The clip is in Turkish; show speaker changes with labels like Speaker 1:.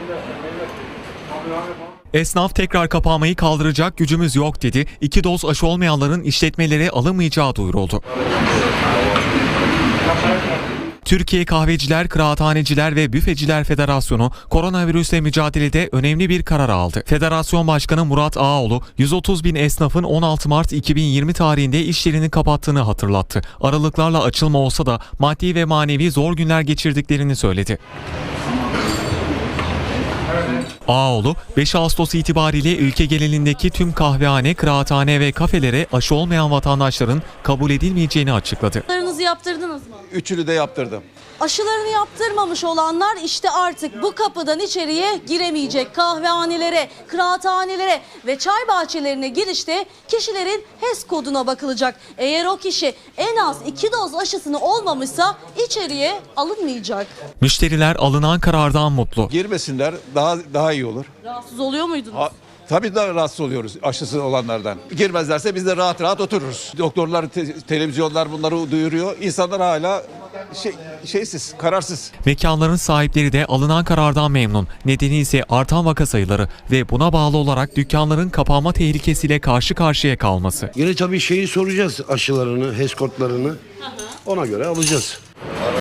Speaker 1: Esnaf tekrar kapanmayı kaldıracak gücümüz yok dedi. 2 doz aşı olmayanların işletmelere alınmayacağı duyuruldu. Türkiye Kahveciler, Kıraathaneciler ve Büfeciler Federasyonu koronavirüsle mücadelede önemli bir karar aldı. Federasyon Başkanı Murat Ağaoğlu, 130 bin esnafın 16 Mart 2020 tarihinde işlerini kapattığını hatırlattı. Aralıklarla açılma olsa da maddi ve manevi zor günler geçirdiklerini söyledi. Ağaoğlu, 5 Ağustos itibariyle ülke genelindeki tüm kahvehane, kıraathane ve kafelere aşı olmayan vatandaşların kabul edilmeyeceğini açıkladı.
Speaker 2: Aşılarınızı yaptırdınız mı?
Speaker 3: Üçünü de yaptırdım.
Speaker 2: Aşılarını yaptırmamış olanlar işte artık bu kapıdan içeriye giremeyecek. Kahvehanelere, kıraathanelere ve çay bahçelerine girişte kişilerin HES koduna bakılacak. Eğer o kişi en az 2 doz aşısını olmamışsa içeriye alınmayacak.
Speaker 1: Müşteriler alınan karardan mutlu.
Speaker 3: Girmesinler daha iyi olur.
Speaker 2: Rahatsız oluyor muydunuz?
Speaker 3: Tabii daha rahatsız oluyoruz aşısı olanlardan. Girmezlerse biz de rahat rahat otururuz. Doktorlar, televizyonlar bunları duyuruyor. İnsanlar hala şeysiz, kararsız.
Speaker 1: Mekanların sahipleri de alınan karardan memnun. Nedeni ise artan vaka sayıları ve buna bağlı olarak dükkanların kapanma tehlikesiyle karşı karşıya kalması.
Speaker 4: Yine tabii şeyi soracağız, aşılarını, HES kodlarını. Ona göre alacağız.